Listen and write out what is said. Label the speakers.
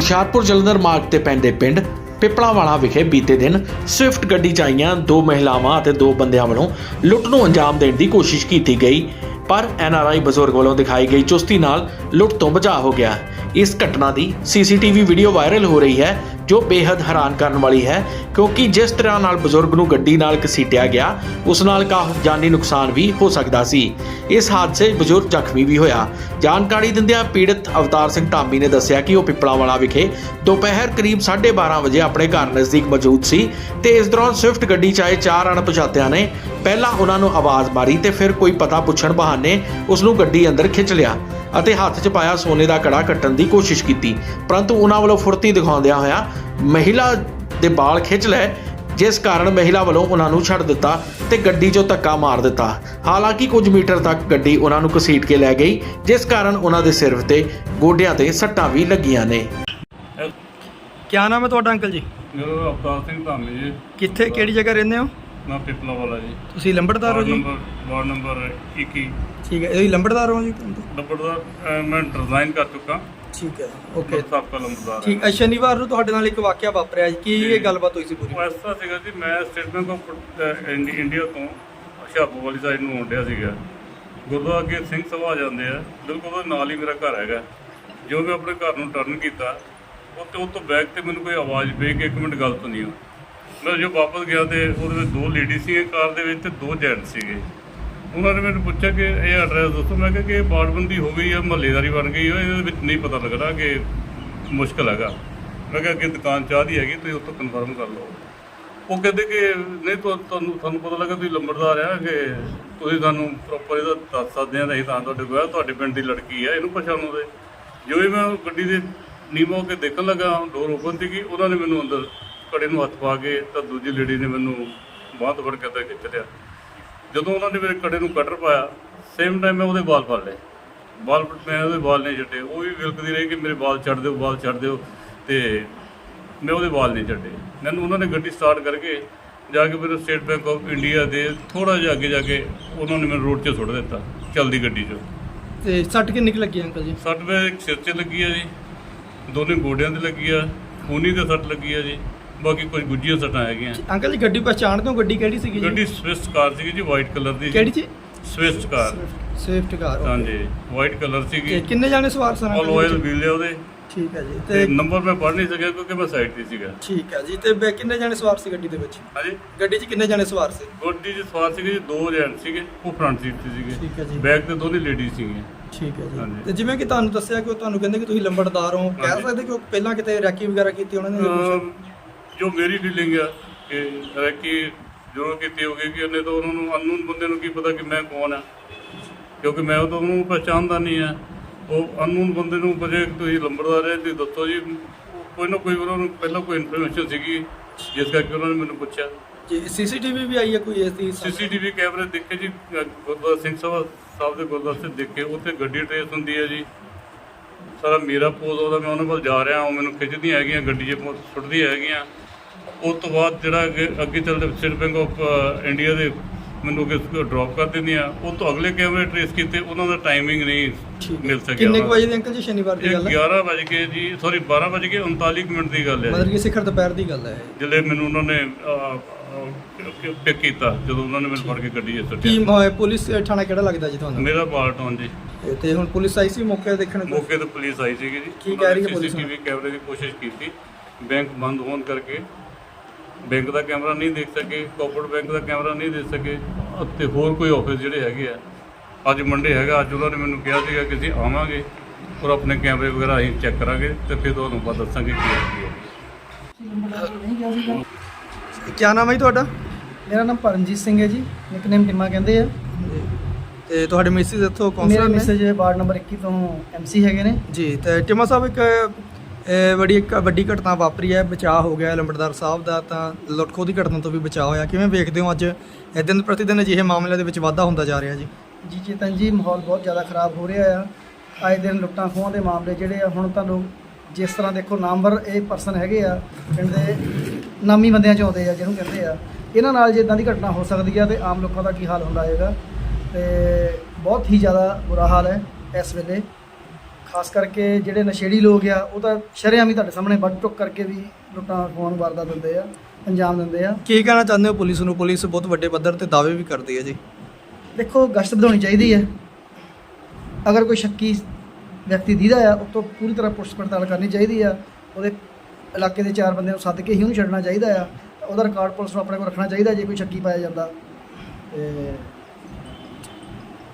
Speaker 1: ਹੁਸ਼ਿਆਰਪੁਰ ਜਲੰਧਰ ਮਾਰਗ ਤੇ ਪੈਂਦੇ ਪਿੰਡ ਪਿਪਲਾਵਾਲਾ ਵਿਖੇ ਬੀਤੇ ਦਿਨ ਸਵਿਫਟ ਗੱਡੀ 'ਚ ਆਈਆਂ 2 ਮਹਿਲਾਵਾਂ ਅਤੇ 2 ਬੰਦਿਆਂ ਵੱਲੋਂ ਲੁੱਟ ਨੂੰ ਅੰਜਾਮ ਦੇਣ ਦੀ ਕੋਸ਼ਿਸ਼ ਕੀਤੀ ਗਈ, ਪਰ NRI ਬਜ਼ੁਰਗ ਵੱਲੋਂ ਦਿਖਾਈ ਗਈ ਚੁਸਤੀ ਨਾਲ ਲੁੱਟ ਤੋਂ ਬਚਾਅ ਹੋ ਗਿਆ। ਇਸ ਘਟਨਾ ਦੀ CCTV ਵੀਡੀਓ ਵਾਇਰਲ ਹੋ ਰਹੀ ਹੈ, ਜੋ ਬੇहद ਹੈਰਾਨ ਕਰਨ ਵਾਲੀ ਹੈ, ਕਿਉਂਕਿ ਜਿਸ ਤਰ੍ਹਾਂ ਨਾਲ ਬਜ਼ੁਰਗ ਨੂੰ ਗੱਡੀ ਨਾਲ ਘਸੀਟਿਆ ਗਿਆ, ਉਸ ਨਾਲ ਕਾਫੀ ਜਾਨੀ ਨੁਕਸਾਨ ਵੀ ਹੋ ਸਕਦਾ ਸੀ। ਇਸ ਹਾਦਸੇ 'ਚ ਬਜ਼ੁਰਗ ਜ਼ਖਮੀ ਵੀ ਹੋਇਆ। ਜਾਣਕਾਰੀ ਦਿੰਦਿਆਂ ਪੀੜਤ ਅਵਤਾਰ ਸਿੰਘ ਧਾਮੀ ਨੇ ਦੱਸਿਆ ਕਿ ਉਹ ਪਿਪਲਾਵਾਲਾ ਵਿਖੇ ਦੁਪਹਿਰ ਕਰੀਬ 12:30 ਵਜੇ ਆਪਣੇ ਘਰ ਨਜ਼ਦੀਕ ਮੌਜੂਦ ਸੀ ਤੇ ਇਸ ਦੌਰਾਨ ਸਵਿਫਟ ਗੱਡੀ 'ਚ ਆਏ 4 ਅਣਪਛਾਤਿਆਂ ਨੇ ਪਹਿਲਾਂ ਉਹਨਾਂ ਨੂੰ ਆਵਾਜ਼ ਮਾਰੀ ਤੇ ਫਿਰ ਕੋਈ ਪਤਾ ਪੁੱਛਣ ਬਹਾਨੇ ਉਸ ਨੂੰ ਗੱਡੀ ਅੰਦਰ ਖਿੱਚ ਲਿਆ ਅਤੇ ਹੱਥ 'ਚ ਪਾਇਆ ਸੋਨੇ ਦਾ ਕੜਾ ਕੱਟਣ ਦੀ ਕੋਸ਼ਿਸ਼ ਕੀਤੀ, ਪਰੰਤੂ ਉਹਨਾਂ ਵੱਲੋਂ ਫੁਰਤੀ ਦਿਖਾਉਂਦਿਆਂ ਹੋਇਆ ਮਹਿਲਾ ਦੇ ਵਾਲ ਖਿੱਚ ਲਏ, ਜਿਸ ਕਾਰਨ ਮਹਿਲਾ ਵੱਲੋਂ ਉਹਨਾਂ ਨੂੰ ਛੱਡ ਦਿੱਤਾ ਤੇ ਗੱਡੀ 'ਚੋਂ ਧੱਕਾ ਮਾਰ ਦਿੱਤਾ। ਹਾਲਾਂਕਿ ਕੁਝ ਮੀਟਰ ਤੱਕ ਗੱਡੀ ਉਹਨਾਂ ਨੂੰ ਘਸੀਟ ਕੇ ਲੈ ਗਈ, ਜਿਸ ਕਾਰਨ ਉਹਨਾਂ ਦੇ ਸਿਰ ਤੇ ਗੋਡਿਆਂ ਤੇ ਸੱਟਾਂ ਵੀ ਲੱਗੀਆਂ ਨੇ।
Speaker 2: क्या नाम है ਤੁਹਾਡਾ ਅੰਕਲ ਜੀ?
Speaker 3: ਮੇਰਾ ਅਵਤਾਰ ਸਿੰਘ ਧਾਮੀ ਜੀ।
Speaker 2: ਕਿੱਥੇ ਕਿਹੜੀ ਜਗ੍ਹਾ ਰਹਿੰਦੇ ਹੋ?
Speaker 3: ਮੈਂ ਪਿਪਲਾਵਾਲਾ ਜੀ।
Speaker 2: ਤੁਸੀਂ ਲੰਬੜਦਾਰ ਹੋ ਜੀ?
Speaker 3: Ward number 21।
Speaker 2: ਠੀਕ ਹੈ, ਇਹ ਲੰਬੜਦਾਰ ਹੋ ਜੀ?
Speaker 3: ਲੰਬੜਦਾਰ ਮੈਂ ਰਿਜ਼ਾਈਨ ਕਰ ਚੁੱਕਾ।
Speaker 2: ਠੀਕ ਹੈ, ਓਕੇ,
Speaker 3: ਸਾਬਕਾ ਲੰਬੜਦਾਰ।
Speaker 2: ਠੀਕ ਹੈ। ਸ਼ਨੀਵਾਰ ਨੂੰ ਤੁਹਾਡੇ ਨਾਲ ਇੱਕ ਵਾਕਿਆ ਵਾਪਰਿਆ ਜੀ, ਕੀ ਇਹ ਗੱਲਬਾਤ ਹੋਈ ਸੀ ਪੂਰੀ?
Speaker 3: ਉਹ ਇਸ ਤਰ੍ਹਾਂ ਸੀਗਾ ਜੀ, ਮੈਂ ਸਟੇਟ ਬੈਂਕ ਆਫ ਇੰਡੀਆ ਤੋਂ ਹੁਸ਼ਿਆਰਪੁਰ ਵਾਲੀ ਸਾਈਡ ਨੂੰ ਆਉਣ ਡਿਆ ਸੀਗਾ। ਗੁਰਦੁਆਰਾ ਅੱਗੇ ਸਿੰਘ ਸਭਾ ਆ ਜਾਂਦੇ ਆ, ਬਿਲਕੁਲ ਉਹਦੇ ਨਾਲ ਹੀ ਮੇਰਾ ਘਰ ਹੈਗਾ। ਜੋ ਮੈਂ ਆਪਣੇ ਘਰ ਨੂੰ ਟਰਨ ਕੀਤਾ, ਉਹ ਤੋਂ ਬੈਕ ਤੇ ਮੈਨੂੰ ਕੋਈ ਆਵਾਜ਼ ਪਈ ਕਿ 1 ਮਿੰਟ ਗੱਲ ਸੁਣੀ ਹੋ। ਮੈਂ ਜੋ ਵਾਪਸ ਗਿਆ ਤੇ ਉਹਦੇ ਵਿੱਚ 2 ਲੇਡੀ ਸੀਗੇ ਕਾਰ ਦੇ ਵਿੱਚ ਤੇ 2 ਜੈਂਟ ਸੀਗੇ। ਉਹਨਾਂ ਨੇ ਮੈਨੂੰ ਪੁੱਛਿਆ ਕਿ ਇਹ ਐਡਰੈਸ ਦੱਸੋ। ਮੈਂ ਕਿਹਾ ਕਿ ਇਹ ਬਾੜਬੰਦੀ ਹੋ ਗਈ ਆ, ਮਹੱਲੇਦਾਰੀ ਬਣ ਗਈ ਆ, ਇਹਦੇ ਵਿੱਚ ਨਹੀਂ ਪਤਾ ਲੱਗਦਾ ਕਿ ਮੁਸ਼ਕਿਲ ਹੈਗਾ। ਮੈਂ ਕਿਹਾ ਕਿ ਦੁਕਾਨ ਚਾਹ ਦੀ ਹੈਗੀ, ਤੁਸੀਂ ਉੱਥੋਂ ਕਨਫਰਮ ਕਰ ਲਓ। ਉਹ ਕਹਿੰਦੇ ਕਿ ਨਹੀਂ ਤੁਹਾਨੂੰ ਪਤਾ ਲੱਗਾ ਤੁਸੀਂ ਲੰਬੜਦਾਰ ਆ, ਕਿ ਤੁਸੀਂ ਸਾਨੂੰ ਪ੍ਰੋਪਰ ਇਹਦਾ ਦੱਸ ਸਕਦੇ ਆ, ਅਸੀਂ ਤਾਂ ਤੁਹਾਡੇ ਕੋਲ ਤੁਹਾਡੇ ਪਿੰਡ ਦੀ ਲੜਕੀ ਆ, ਇਹਨੂੰ ਪਛਾਣੋ ਦੇ। ਜੋ ਹੀ ਮੈਂ ਗੱਡੀ ਦੇ ਨੀਮੋ ਕੇ ਦੇਖਣ ਲੱਗਾ, ਡੋਰ ਓਪਨ ਸੀਗੀ, ਉਹਨਾਂ ਨੇ ਮੈਨੂੰ ਅੰਦਰ ਕੜੇ ਨੂੰ ਹੱਥ ਪਾ ਕੇ ਤਾਂ ਦੂਜੀ ਲੇਡੀ ਨੇ ਮੈਨੂੰ ਬਾਂਹ ਤੋਂ ਫੜ ਕੇ ਅੰਦਰ ਖਿੱਚ ਲਿਆ। ਜਦੋਂ ਉਹਨਾਂ ਨੇ ਮੇਰੇ ਕੜੇ ਨੂੰ ਕਟਰ ਪਾਇਆ, ਸੇਮ ਟਾਈਮ ਮੈਂ ਉਹਦੇ ਵਾਲ ਫੜ ਲਏ। ਮੈਂ ਉਹਦੇ ਵਾਲ ਨਹੀਂ ਛੱਡੇ। ਉਹ ਵੀ ਵਿਲਕਦੀ ਰਹੀ ਕਿ ਮੇਰੇ ਵਾਲ ਛੱਡ ਦਿਓ, ਵਾਲ ਛੱਡ ਦਿਓ, ਅਤੇ ਮੈਂ ਉਹਦੇ ਵਾਲ ਨਹੀਂ ਛੱਡੇ। ਮੈਨੂੰ ਉਹਨਾਂ ਨੇ ਗੱਡੀ ਸਟਾਰਟ ਕਰਕੇ ਜਾ ਕੇ ਮੇਰੇ ਸਟੇਟ ਬੈਂਕ ਆਫ ਇੰਡੀਆ ਦੇ ਥੋੜ੍ਹਾ ਜਿਹਾ ਅੱਗੇ ਜਾ ਕੇ ਉਹਨਾਂ ਨੇ ਮੈਨੂੰ ਰੋਡ 'ਤੇ ਸੁੱਟ ਦਿੱਤਾ, ਚੱਲਦੀ ਗੱਡੀ 'ਚੋਂ।
Speaker 2: ਤੇ ਸੱਟ ਕਿੰਨੀ ਕੁ ਲੱਗੀ ਅੰਕਲ ਜੀ?
Speaker 3: ਸੱਟ ਮੇਰੇ ਇੱਕ ਸਿਰ 'ਚ ਲੱਗੀ ਆ ਜੀ, ਦੋਨੇ ਗੋਡਿਆਂ 'ਤੇ ਲੱਗੀ ਆ, ਖੂਨੀ 'ਤੇ ਸੱਟ ਲੱਗੀ ਆ ਜੀ, ਬਾਕੀ ਕੁਝ ਗੁੱਝੀਆਂ ਸੱਟਾਂ ਹੈਗੀਆਂ।
Speaker 2: ਅੰਕਲ ਜੀ ਗੱਡੀ ਪਛਾਣਦੇ ਹੋ? ਗੱਡੀ ਕਿਹੜੀ ਸੀਗੀ?
Speaker 3: ਗੱਡੀ ਸਵਿਫਟ ਕਾਰ ਸੀਗੀ ਜੀ, ਵਾਈਟ ਕਲਰ ਦੀ।
Speaker 2: ਕਿਹੜੀ ਜੀ?
Speaker 3: Swift car.
Speaker 2: ਸਵਿਫਟ ਕਾਰ,
Speaker 3: ਹਾਂਜੀ, ਵਾਈਟ ਕਲਰ ਸੀਗੀ।
Speaker 2: ਕਿੰਨੇ ਜਾਣੇ ਸਵਾਰ ਸਨ?
Speaker 3: ਆਲ ਆਇਲ ਵੀਲ ਆ ਉਹਦੇ।
Speaker 2: ਠੀਕ ਹੈ ਜੀ।
Speaker 3: ਤੇ ਨੰਬਰ ਮੈਂ ਪੜ੍ਹ ਨਹੀਂ ਸਕਿਆ ਕਿਉਂਕਿ ਮੈਂ ਸਾਈਡ 'ਤੇ ਸੀਗਾ।
Speaker 2: ਠੀਕ ਹੈ ਜੀ। ਤੇ ਕਿੰਨੇ ਜਾਣੇ ਸਵਾਰ ਸੀ ਗੱਡੀ ਦੇ ਵਿੱਚ?
Speaker 3: ਹਾਂਜੀ,
Speaker 2: ਗੱਡੀ 'ਚ ਕਿੰਨੇ ਜਾਣੇ ਸਵਾਰ ਸੀ?
Speaker 3: ਗੱਡੀ 'ਚ ਸਵਾਰ ਸੀਗੇ ਜੀ 2 ਜੈਂਟ ਸੀਗੇ, ਉਹ ਫਰੰਟ ਸੀਟ 'ਤੇ ਸੀਗੇ।
Speaker 2: ਠੀਕ ਹੈ ਜੀ।
Speaker 3: ਬੈਕ ਤੇ ਦੋਨੇ ਲੇਡੀਜ਼ ਸੀਗੀਆਂ।
Speaker 2: ਠੀਕ ਹੈ ਜੀ।
Speaker 3: ਹਾਂਜੀ।
Speaker 2: ਤੇ ਜਿਵੇਂ ਕਿ ਤੁਹਾਨੂੰ ਦੱਸਿਆ ਕਿ ਉਹ ਤੁਹਾਨੂੰ ਕਹਿੰਦੇ ਕਿ ਤੁਸੀਂ ਲੰਬੜਦਾਰ ਹੋ, ਕਹਿ ਸਕਦੇ ਕਿ ਉਹ ਪਹਿਲਾਂ ਕਿਤੇ ਰੈਕੀ ਵਗੈਰਾ ਕੀਤੀ ਉਹਨਾਂ ਨੇ?
Speaker 3: ਜੋ ਮੇਰੀ ਫੀਲਿੰਗ ਆ ਕਿ ਰੈਕੀ ਜ਼ਰੂਰ ਕੀਤੀ ਹੋਗੀ, ਕਿ ਉਹਨੇ ਤਾਂ ਉਹਨਾਂ ਨੂੰ ਅਨਨੋਨ ਬੰਦੇ ਨੂੰ ਕੀ ਪਤਾ ਕਿ ਮੈਂ ਕੌਣ ਆ, ਕਿਉਂਕਿ ਮੈਂ ਉਹ ਤਾਂ ਉਹਨੂੰ ਪਛਾਣਦਾ ਨਹੀਂ ਆ। ਉਹ ਅਨਨੋਨ ਬੰਦੇ ਨੂੰ ਪੁੱਛੇ ਕਿ ਤੁਸੀਂ ਲੰਬੜਦਾਰ ਹੈ, ਤੁਸੀਂ ਦੱਸੋ ਜੀ। ਕੋਈ ਨਾ ਕੋਈ ਉਹਨਾਂ ਨੂੰ ਪਹਿਲਾਂ ਕੋਈ ਇਨਫੋਰਮੇਸ਼ਨ ਸੀਗੀ, ਜਿਸ ਕਰਕੇ ਉਹਨਾਂ ਨੇ ਮੈਨੂੰ ਪੁੱਛਿਆ।
Speaker 2: ਜੀ CCTV ਵੀ ਆਈ ਹੈ ਕੋਈ ਇਸ ਦੀ?
Speaker 3: CCTV ਕੈਮਰੇ ਦੇਖੇ ਜੀ, ਗੁਰਦੁਆਰਾ ਸਿੰਘ ਸਭਾ ਸਾਹਿਬ ਦੇ ਗੁਰਦੁਆਰੇ 'ਤੇ ਦੇਖੇ, ਉੱਥੇ ਗੱਡੀ ਟਰੇਸ ਹੁੰਦੀ ਹੈ ਜੀ। ਸਾਰਾ ਮੇਰਾ ਪੋਜ਼ ਉਹਦਾ, ਮੈਂ ਉਹਨਾਂ ਕੋਲ ਜਾ ਰਿਹਾ, ਉਹ ਮੈਨੂੰ ਖਿੱਚਦੀਆਂ ਹੈਗੀਆਂ, ਗੱਡੀ 'ਚ ਸੁੱਟਦੀਆਂ ਹੈਗੀਆਂ। ਉਸ ਤੋਂ ਬਾਅਦ ਜਿਹੜਾ ਅੱਗੇ ਚੱਲਦੇ ਸਟੇਟ ਬੈਂਕ ਆਫ ਇੰਡੀਆ ਦੇ ਮੈਨੂੰ ਅੱਗੇ ਡਰੋਪ ਕਰ ਦਿੰਦੀਆਂ। ਉਹ ਤੋਂ ਅਗਲੇ ਕੈਮਰੇ ਟਰੇਸ ਕੀਤੇ, ਉਹਨਾਂ ਦਾ ਟਾਈਮਿੰਗ ਨਹੀਂ ਮਿਲ ਸਕਿਆ।
Speaker 2: ਕਿੰਨੇ ਕੁ ਵਜੇ ਦੀ ਅੰਕਲ ਜੀ ਸ਼ਨੀਵਾਰ ਦੀ ਗੱਲ ਹੈ?
Speaker 3: 11 ਵਜ ਕੇ ਜੀ, ਸੌਰੀ 12 ਵਜ ਕੇ 39 ਮਿੰਟ ਦੀ ਗੱਲ ਹੈ।
Speaker 2: ਮਤਲਬ ਕਿ ਸਿਖਰ ਦੁਪਹਿਰ ਦੀ ਗੱਲ ਹੈ।
Speaker 3: ਜਦੋਂ ਮੈਨੂੰ ਉਹਨਾਂ ਨੇ ਪਿਕ ਕੀਤਾ, ਜਦੋਂ ਉਹਨਾਂ ਨੇ ਮੈਨੂੰ ਫੜ ਕੇ ਗੱਡੀ 'ਚ ਸੁੱਟਿਆ।
Speaker 2: ਕੀ ਪੁਲਿਸ ਥਾਣਾ ਕਿਹੜਾ ਲੱਗਦਾ ਜੀ ਤੁਹਾਨੂੰ?
Speaker 3: ਮੇਰਾ ਪਾਰਟਨ ਜੀ।
Speaker 2: ਤੇ ਹੁਣ ਪੁਲਿਸ ਆਈ ਸੀ ਮੌਕੇ ਦੇਖਣ ਨੂੰ?
Speaker 3: ਮੌਕੇ ਤੇ ਪੁਲਿਸ ਆਈ ਸੀਗੀ ਜੀ।
Speaker 2: ਕੀ ਕਹਿ ਰਹੀ ਹੈ ਪੁਲਿਸ?
Speaker 3: CCTV ਕੈਮਰੇ ਦੀ ਕੋਸ਼ਿਸ਼ ਕੀਤੀ, ਬੈਂਕ ਬੰਦ ਹੋਣ ਕਰਕੇ ਬੈਂਕ ਦਾ ਕੈਮਰਾ ਨਹੀਂ ਦੇਖ ਸਕੇ, ਕੋਆਪਰੇਟਿਵ ਬੈਂਕ ਦਾ ਕੈਮਰਾ ਨਹੀਂ ਦੇਖ ਸਕੇ, ਅਤੇ ਹੋਰ ਕੋਈ ਆਫਿਸ ਜਿਹੜੇ ਹੈਗੇ ਆ। ਅੱਜ ਮੰਡੇ ਹੈਗਾ, ਅੱਜ ਉਹਨਾਂ ਨੇ ਮੈਨੂੰ ਕਿਹਾ ਸੀਗਾ ਕਿ ਅਸੀਂ ਆਵਾਂਗੇ ਔਰ ਆਪਣੇ ਕੈਮਰੇ ਵਗੈਰਾ ਅਸੀਂ ਚੈੱਕ ਕਰਾਂਗੇ ਤੇ ਫਿਰ ਤੁਹਾਨੂੰ ਬਾਅਦ ਦੱਸਾਂਗੇ ਕੀ ਹੈ।
Speaker 2: ਕੀ ਨਾਮ ਹੈ ਜੀ ਤੁਹਾਡਾ?
Speaker 4: ਮੇਰਾ ਨਾਮ ਪਰਮਜੀਤ ਸਿੰਘ ਹੈ ਜੀ, ਨਿਕਨੇਮ ਟਿਮਾ ਕਹਿੰਦੇ ਆ।
Speaker 2: ਤੇ ਤੁਹਾਡੇ ਮਿਸਿਸ ਇੱਥੋਂ
Speaker 4: ਮੇਰੇ
Speaker 2: ਕਾਉਂਸਲਰ ਨੇ?
Speaker 4: ਮੈਸੇਜ ਵਾਰਡ ਨੰਬਰ 21 ਤੋਂ MC ਹੈਗੇ ਨੇ
Speaker 2: ਜੀ। ਤੇ ਟਿਮਾ ਸਾਹਿਬ, ਇੱਕ ਵੱਡੀ ਘਟਨਾ ਵਾਪਰੀ ਹੈ, ਬਚਾਅ ਹੋ ਗਿਆ ਲੰਬੜਦਾਰ ਸਾਹਿਬ ਦਾ, ਤਾਂ ਲੁੱਟ-ਖੋਹ ਦੀ ਘਟਨਾ ਤੋਂ ਵੀ ਬਚਾਅ ਹੋਇਆ। ਕਿਵੇਂ ਵੇਖਦੇ ਹੋ ਅੱਜ ਦਿਨ ਪ੍ਰਤੀ ਦਿਨ ਅਜਿਹੇ ਮਾਮਲਿਆਂ ਦੇ ਵਿੱਚ ਵਾਧਾ ਹੁੰਦਾ ਜਾ ਰਿਹਾ ਜੀ?
Speaker 4: ਜੀ ਚੇਤਨ ਜੀ, ਮਾਹੌਲ ਬਹੁਤ ਜ਼ਿਆਦਾ ਖਰਾਬ ਹੋ ਰਿਹਾ ਆ। ਆਏ ਦਿਨ ਲੁੱਟਾਂ ਖੋਹਾਂ ਦੇ ਮਾਮਲੇ ਜਿਹੜੇ ਆ, ਹੁਣ ਤੁਹਾਨੂੰ ਜਿਸ ਤਰ੍ਹਾਂ ਦੇਖੋ ਨਾਮਵਰ ਇਹ ਪਰਸਨ ਹੈਗੇ ਆ, ਪਿੰਡ ਦੇ ਨਾਮੀ ਬੰਦਿਆਂ 'ਚ ਆਉਂਦੇ ਆ ਜਿਹਨੂੰ ਕਹਿੰਦੇ ਆ, ਇਹਨਾਂ ਨਾਲ ਜੇ ਇੱਦਾਂ ਦੀ ਘਟਨਾ ਹੋ ਸਕਦੀ ਆ ਤੇ ਆਮ ਲੋਕਾਂ ਦਾ ਕੀ ਹਾਲ ਹੁੰਦਾ ਹੋਏਗਾ। ਤੇ ਬਹੁਤ ਹੀ ਜ਼ਿਆਦਾ ਬੁਰਾ ਹਾਲ ਹੈ ਇਸ ਵੇਲੇ। ਖਾਸ ਕਰਕੇ ਜਿਹੜੇ ਨਸ਼ੇੜੀ ਲੋਕ ਆ ਉਹ ਤਾਂ ਸ਼ਰੇਆਮ ਹੀ ਤੁਹਾਡੇ ਸਾਹਮਣੇ ਵੱਢ ਟੁੱਕ ਕਰਕੇ ਵੀ ਲੁੱਟਾਂ ਖੋਹਣ ਵਾਰਦਾਤ ਦਿੰਦੇ ਆ, ਅੰਜਾਮ ਦਿੰਦੇ ਆ।
Speaker 2: ਕੀ ਕਹਿਣਾ ਚਾਹੁੰਦੇ ਹੋ ਪੁਲਿਸ ਨੂੰ? ਪੁਲਿਸ ਬਹੁਤ ਵੱਡੇ ਪੱਧਰ ਤੇ ਦਾਅਵੇ ਵੀ ਕਰਦੀ ਹੈ ਜੀ।
Speaker 4: ਦੇਖੋ, ਗਸ਼ਤ ਵਧਾਉਣੀ ਚਾਹੀਦੀ ਹੈ। ਅਗਰ ਕੋਈ ਸ਼ੱਕੀ ਵਿਅਕਤੀ ਦੀਦਾ ਆ, ਉਹ ਤੋਂ ਪੂਰੀ ਤਰ੍ਹਾਂ ਪੁਲਿਸ ਪੜਤਾਲ ਕਰਨੀ ਚਾਹੀਦੀ ਆ। ਉਹਦੇ ਇਲਾਕੇ ਦੇ 4 ਬੰਦਿਆਂ ਨੂੰ ਸੱਦ ਕੇ ਹੀ ਉਹਨੂੰ ਛੱਡਣਾ ਚਾਹੀਦਾ ਆ। ਉਹਦਾ ਰਿਕਾਰਡ ਪੁਲਿਸ ਨੂੰ ਆਪਣੇ ਕੋਲ ਰੱਖਣਾ ਚਾਹੀਦਾ ਜੇ ਕੋਈ ਸ਼ੱਕੀ ਪਾਇਆ ਜਾਂਦਾ। ਤੇ